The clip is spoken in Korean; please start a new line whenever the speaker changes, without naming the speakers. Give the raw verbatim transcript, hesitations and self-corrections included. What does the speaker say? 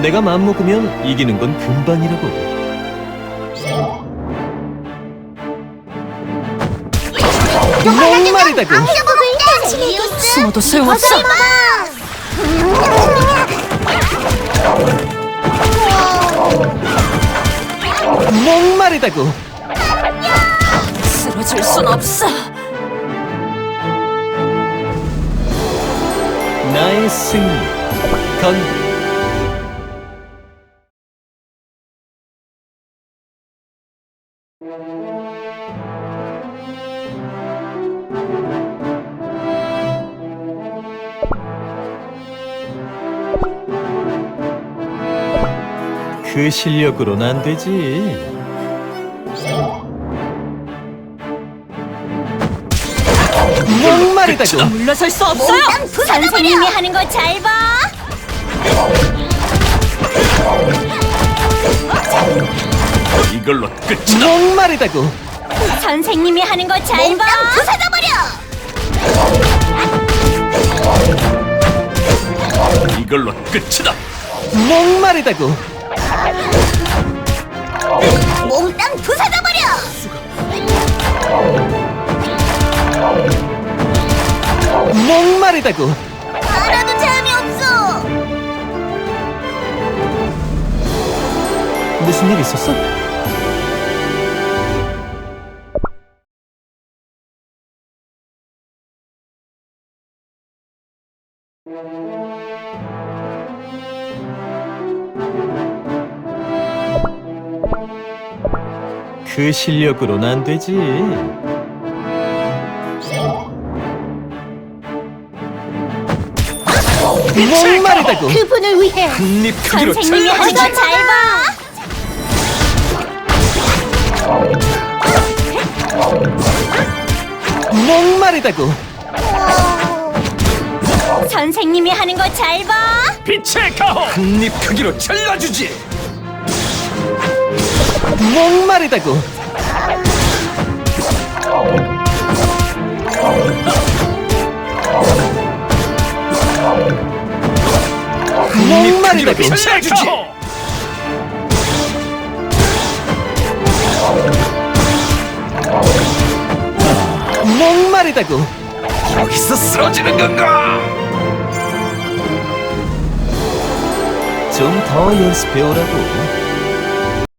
내가 마음먹으면 이기는 건 금방이라고. 목마르다고.
숨어도 소용없어.
목마르다고.
쓰러질 순 없어.
나의 승리. 건 그 실력으로는 안 되지. 목마르다고.
물러설 수 없어요.
선생님이 하는 거 잘 봐.
이걸로 끝이다.
목마르다고.
선생님이 하는 거 잘 봐. 부숴버려.
이걸로 끝이다.
목마르다고.
몽땅 부숴버려.
목마르다고.
하나도 재미없어.
무슨 일 있었어? 그 실력으로는 안 되지. 목마르다고.
그분을 위해.
한입 크기로
선생님이 하는 거 잘 봐.
목마르다고.
선생님이 하는 거 잘 봐.
빛의 가호. 한입 크기로 잘라주지.
목마르다고. 목마르다고.
잘라주지.
목마르다고.
여기서 쓰러지는 건가?
좀 더 연습해오라고.